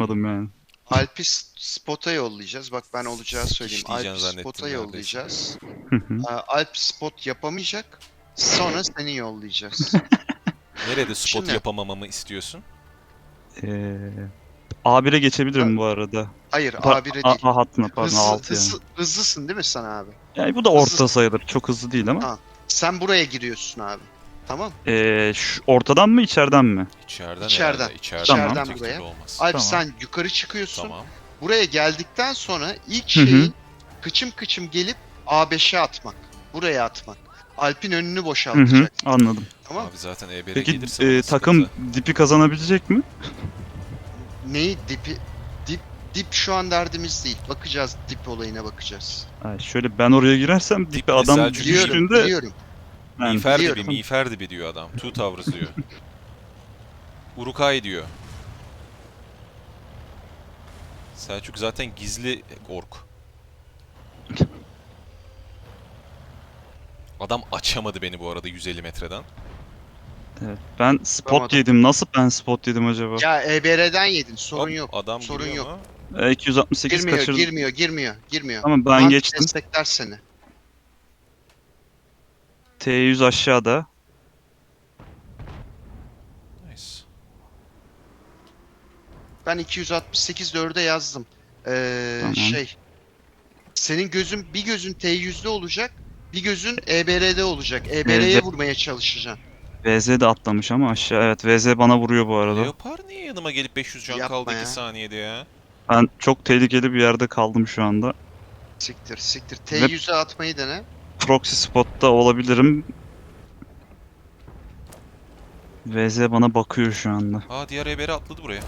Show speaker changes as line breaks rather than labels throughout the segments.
uğraşmadım yani.
Alp'i spot'a yollayacağız. Bak ben olacağı söyleyeyim.
Diyeceksin
Alp'i
zannettim
spot'a
neredeyse.
yollayacağız.
Hı hı.
Alp spot yapamayacak. Sonra seni yollayacağız.
Nerede spot
Şimdi
yapamamamı istiyorsun?
Ee, A1'e
ha-
geçebilirim bu arada.
hayır A1'e değil.
A hattına pardon
Hızlı,
A6 yani.
hızlısın değil mi sen abi?
Yani bu da orta
Hızlısın.
sayılır. Çok hızlı değil ama.
Tamam. Sen buraya giriyorsun abi. Tamam.
Şu ortadan mı içeriden mi?
İçeriden
İçeriden.
herhalde. İçeriden
Tamam.
İçeriden
öteki
buraya.
türlü olmaz.
Alp
Tamam.
sen yukarı çıkıyorsun.
Tamam.
Buraya geldikten sonra ilk
Hı hı.
şeyin kıçım kıçım gelip A5'e atmak. Buraya atmak. Alp'in önünü
Hı hı.
boşaltacak.
Anladım.
Tamam.
Abi zaten E1'e
Peki
gelirse bana
takım
sıkıntı.
dipi kazanabilecek mi?
Neyi dipi dip şu an derdimiz değil. Bakacağız, dip olayına bakacağız.
Yani şöyle ben oraya girersem
Dip
dipi
ne
adam
Selçuk?
Biliyorum,
düştüğünde
biliyorum.
yani
Miğfer dibi,
biliyorum.
miğfer dibi diyor adam. Two Towers diyor. Uruk-hai diyor. Selçuk zaten gizli ork. Adam açamadı beni bu arada 150 metreden.
evet, ben spot
Yapamadım.
yedim. Nasıl ben spot yedim acaba?
Ya EBR'den yedin. Sorun
Hop,
yok.
adam
Sorun
giriyor
yok.
mu?
268
Girmiyor,
kaçırdım.
girmiyor.
Tamam ben
Anti
geçtim.
destekler seni.
T100 aşağıda.
Nice.
Ben 268 4'e yazdım.
Tamam.
Senin bir gözün T100'de olacak, bir gözün EBR'de olacak.
VZ,
EBR'ye vurmaya çalışacaksın.
VZ de atlamış ama aşağı. Evet VZ bana vuruyor bu arada.
Leopar niye yanıma gelip 500 can kaldı
Yapma
2
ya.
saniyede ya?
Ben çok tehlikeli bir yerde kaldım şu anda.
Siktir.
Ve
T100'e atmayı dene.
proxy spotta olabilirim. VZ bana bakıyor şu anda.
Aa diğer E1'e atladı buraya.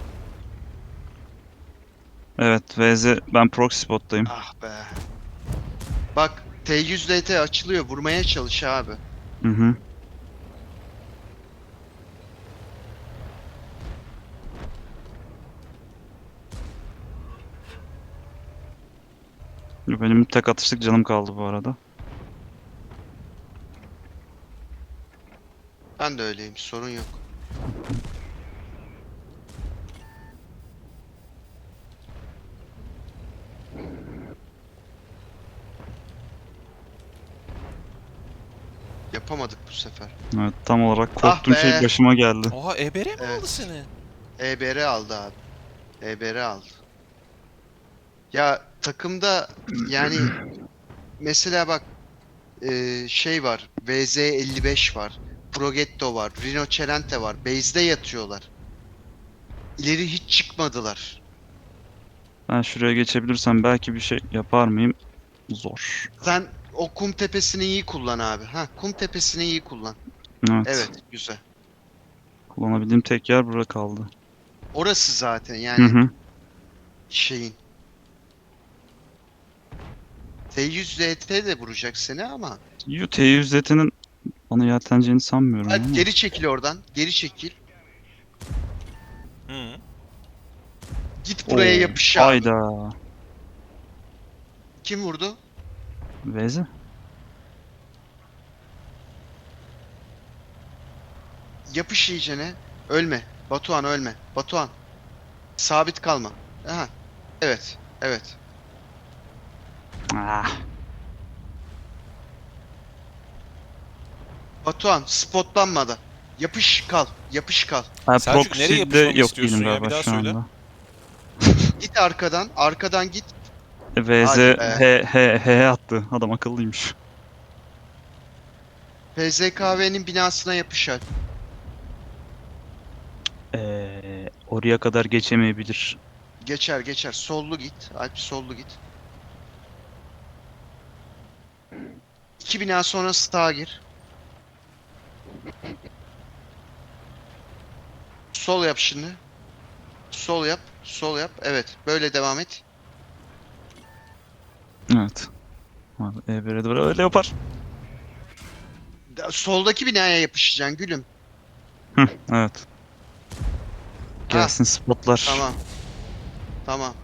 Evet VZ ben proxy spottayım.
Ah be. Bak T100 LT açılıyor. Vurmaya çalış abi.
Hı hı. Benim tek atışlık canım kaldı bu arada.
Ben de öyleyim. Sorun yok. Yapamadık bu sefer.
Evet tam olarak
Ah
korktuğum şey
be.
başıma geldi.
Oha E1'e mi aldı
Evet.
seni?
EBR aldı abi. EBR aldı. Ya takımda yani mesela bak var. VZ55 var. Progetto var. Rhinocerente var. Base'de yatıyorlar. İleri hiç çıkmadılar.
Ben şuraya geçebilirsem belki bir şey yapar mıyım? Zor.
Sen o kum tepesini iyi kullan abi. Ha, kum tepesini iyi kullan.
Evet.
Evet, güzel.
Kullanabildiğim tek yer burada kaldı.
Orası zaten
Hı
yani
hı.
şeyin. T100 ZT de vuracak seni ama.
T100'nin bana yelteneceğini sanmıyorum
Alp
ama.
geri çekil oradan. Geri çekil.
Hı.
Git
Oo,
buraya yapış abi.
hayda.
Kim vurdu?
Veze.
Yapış iyicene. Ölme. Batuhan ölme. Batuhan. Sabit kalma. Aha. Evet. Evet.
Ah.
Batuhan spotlanmadı. Yapış kal. Yapış kal.
Ha,
Selçuk nereye
proxy'de
yapışmamı
yok
istiyorsun
değilim
ya? Bir
galiba
daha
şu
söyle.
anda.
Git arkadan. Arkadan git.
VZ
Hadi be.
H attı. Adam akıllıymış.
PZKV'nin binasına yapış Alp.
Oraya kadar geçemeyebilir.
Geçer. Sollu git. Alp sollu git. 2 bina sonra sağa gir. Sol yap şimdi. Sol yap. Sol yap. Evet. Böyle devam et.
Evet. Abi, E1'e doğru öyle yapar.
Soldaki binaya yapışacaksın gülüm.
Hı, evet.
Ha,
Gelsin spotlar.
tamam.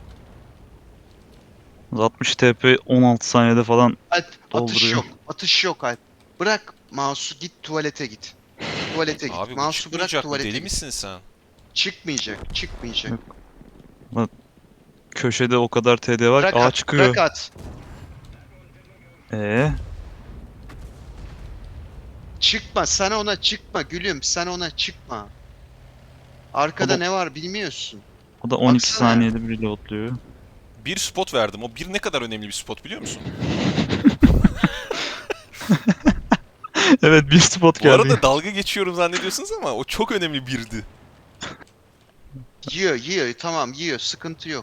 60 TP 16 saniyede falan
Alp atış
dolduruyor.
yok. Atış yok Alp. Bırak mouse'u git tuvalete git. Tuvalete git.
Abi bu
Mouse'u bırak
çıkmayacak mı?
tuvalete
Deli
git.
misin sen?
Çıkmayacak.
Yok. Köşede o kadar TD var.
Bırak
Aa
at,
çıkıyor.
bırak at.
Çıkma.
Sen ona çıkma gülüm, sen ona çıkma. Arkada
O da,
ne var bilmiyorsun.
o da 12
Baksana.
saniyede bir reloadluyor.
Bir spot verdim. O bir ne kadar önemli bir spot biliyor musun?
Evet bir spot
Bu
geldi.
arada dalga geçiyorum zannediyorsunuz ama o çok önemli birdi.
Yiyor, tamam yiyor, sıkıntı yok.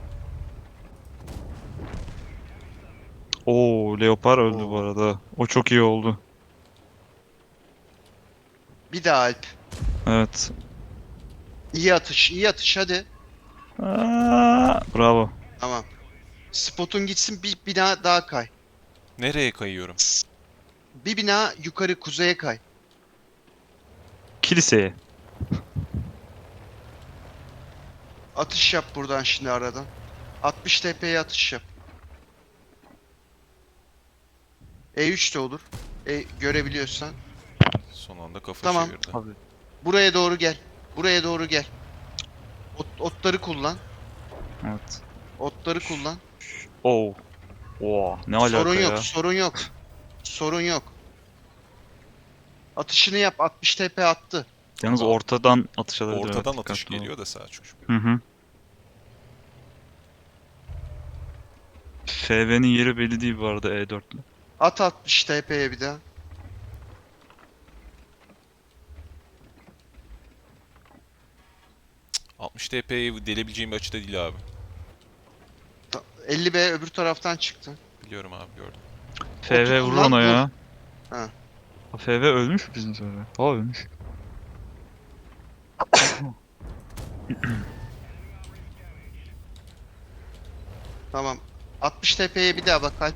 Oo Leopar öldü bu
Oo.
arada. O çok iyi oldu.
Bir daha Alp.
Evet.
İyi atış hadi.
Bravo.
Tamam. Spotun gitsin, bir bina daha kay.
Nereye kayıyorum?
Bir bina yukarı kuzeye kay.
Kiliseye.
Atış yap buradan şimdi aradan. 60 TP'ye atış yap. E3 de olur. Görebiliyorsan.
Son anda kafa
Tamam.
çevirdi.
Abi.
Buraya doğru gel. Buraya doğru gel. Otları kullan.
Evet.
Otları kullan.
Oo. Oo. Ne alaka
Sorun yok,
ya?
sorun yok. Sorun yok. Atışını yap. 60 TP attı.
Yalnız
Abi,
ortadan atış alabilir.
Ortadan
evet,
atış
dikkatli ol.
geliyor da Selçuk.
Hı hı. FV'nin yeri belli değil bu arada E4'le.
At 60 TP'ye bir daha.
Cık, 60 TP'yi delebileceğim bir açıda değil abi.
50B öbür taraftan çıktı.
Biliyorum abi gördüm.
FV vurur
kullan,
ona
vur.
ya.
Ha.
FV ölmüş mü bizim FV? Aa ölmüş.
Tamam. 60 TP'ye bir daha bak Alp.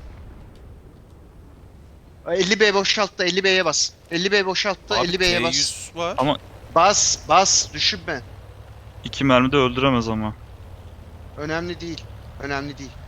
50B boşalttı. 50B'ye bas. 50B boşalttı.
Abi
50B'ye bas.
T100 var.
Ama
Bas. Düşünme.
2 mermi de öldüremez ama.
Önemli değil. Önemli değil.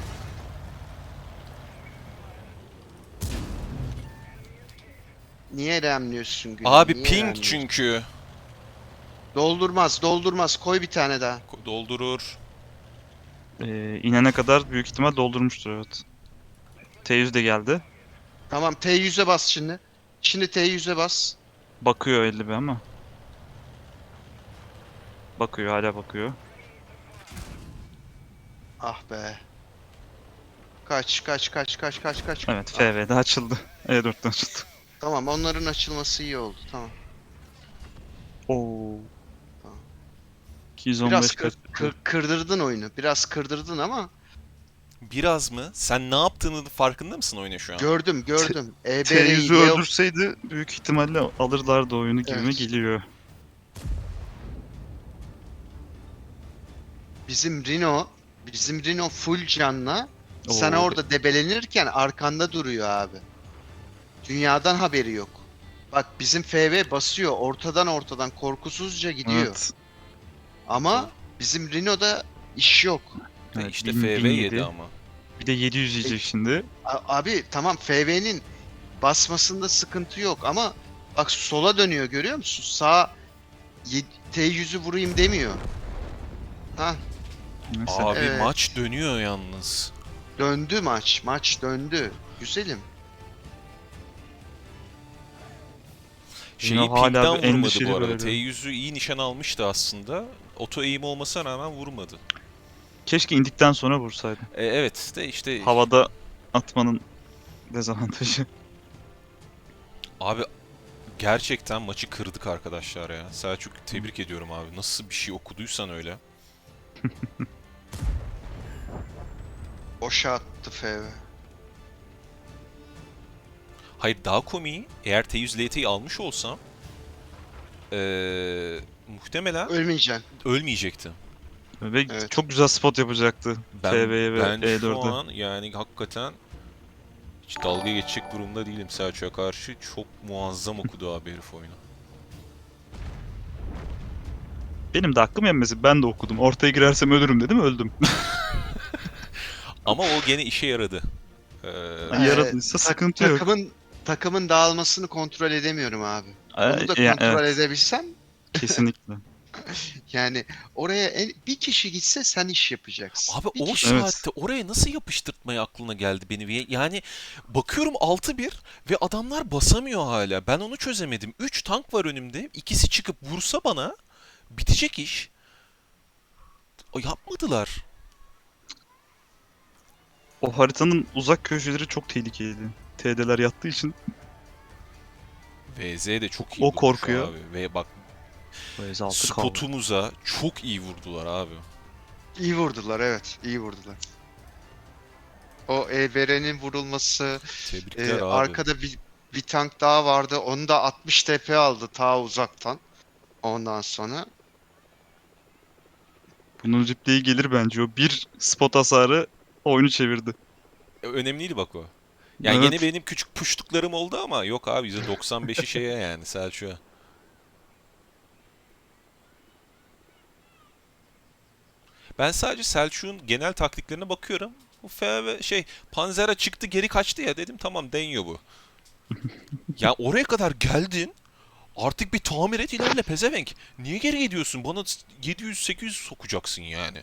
Niye remliyorsun gülüm?
Abi
Niye
ping
remliyorsun?
çünkü.
Doldurmaz. Koy bir tane daha.
Doldurur.
İnene kadar büyük ihtimal doldurmuştur evet. T100 de geldi.
Tamam T100'e bas şimdi. Şimdi T100'e bas.
Bakıyor 50 be ama. Bakıyor hala bakıyor.
Ah be. Kaç.
Evet
Ah,
FV'de açıldı. E4'ten açıldı.
tamam onların açılması iyi oldu. Tamam.
Oo.
Tamam.
215
Biraz
kaç.
kırdırdın oyunu. Biraz kırdırdın ama
Biraz mı? Sen ne yaptığının farkında mısın oyuna şu an?
gördüm.
T100'ü
Leo
öldürseydi büyük ihtimalle alırlardı oyunu gibime
Evet.
geliyor.
Bizim Rino full canla. Sen
Oo.
orada debelenirken arkanda duruyor abi. Dünyadan haberi yok. Bak bizim FV basıyor. Ortadan korkusuzca gidiyor.
Evet.
Ama bizim Rino'da iş yok.
Evet,
işte
1000
FV
1007.
yedi ama.
Bir de 700 yiyecek şimdi.
Abi tamam FV'nin basmasında sıkıntı yok ama bak sola dönüyor görüyor musun? T100'ü vurayım demiyor. Ha
Neyse.
Abi
Evet.
maç dönüyor yalnız.
döndü maç. Maç döndü. Güzelim.
Şeyi
Yine hala
pingden
bir
vurmadı
endişeli
bu arada.
böyle.
T100'ü iyi nişan almıştı aslında. Oto eğim olmasına rağmen vurmadı.
Keşke indikten sonra vursaydı.
Evet de işte
Havada atmanın dezavantajı.
abi gerçekten maçı kırdık arkadaşlar ya. Selçuk tebrik ediyorum abi. Nasıl bir şey okuduysan öyle.
Boşa attı FV.
Hayır daha komiği eğer T100 LT'yi almış olsam muhtemelen
Ölmeyeceksin.
ölmeyecekti.
Ve
Evet.
çok güzel spot yapacaktı. FV'ye ve
Ben şu
E4'e.
an yani hakikaten hiç dalga geçecek durumda değilim Selçuk'a karşı. Çok muazzam okudu abi herif oyunu.
Benim de hakkım yenmesi. Ben de okudum. Ortaya girersem ölürüm dedim. Öldüm.
Ama o gene işe yaradı.
Yaradıysa sıkıntı yok.
Takımın dağılmasını kontrol edemiyorum abi.
Ee,
Onu da
ya,
kontrol
evet.
edebilsem
Kesinlikle.
Yani oraya bir kişi gitse sen iş yapacaksın.
Abi
Bir
o
kişi.
Evet.
saatte oraya nasıl yapıştırtmaya aklına geldi beni? Yani bakıyorum 6-1 ve adamlar basamıyor hala. Ben onu çözemedim. 3 tank var önümde. İkisi çıkıp vursa bana bitecek iş. O yapmadılar.
O haritanın uzak köşeleri çok tehlikeliydi. TD'ler yattığı için
VZ de çok iyi
o
vurmuş
korkuyor.
abi. Ve bak
VZ6 kaldı.
spotumuza çok iyi vurdular abi.
İyi vurdular, evet. İyi vurdular. O Evere'nin vurulması,
Tebrikler abi.
arkada bir tank daha vardı. Onu da 60 TP aldı ta uzaktan. Ondan sonra
Bunun replay'i gelir bence. O bir spot hasarı oyunu çevirdi.
Önemliydi bak o. Yani gene
Evet.
benim küçük puştuklarım oldu ama yok abi %95'i şeye yani Selçuk'a. Ben sadece Selçuk'un genel taktiklerine bakıyorum. Bu ve Panzer'a çıktı geri kaçtı ya dedim tamam deniyor bu. Ya oraya kadar geldin artık bir tamir et ilerle pezevenk. Niye geri gidiyorsun? Bana 700-800 sokacaksın yani.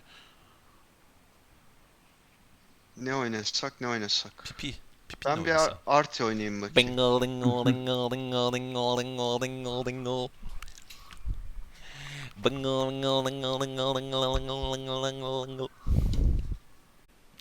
ne oynasak ne oynasak.
Pipi. Pipi ne
Ben bir
oynasam?
Arti oynayayım bakayım.
Bingo dingo dingo dingo dingo dingo dingo dingo. Bingo dingo dingo dingo dingo dingo dingo dingo dingo.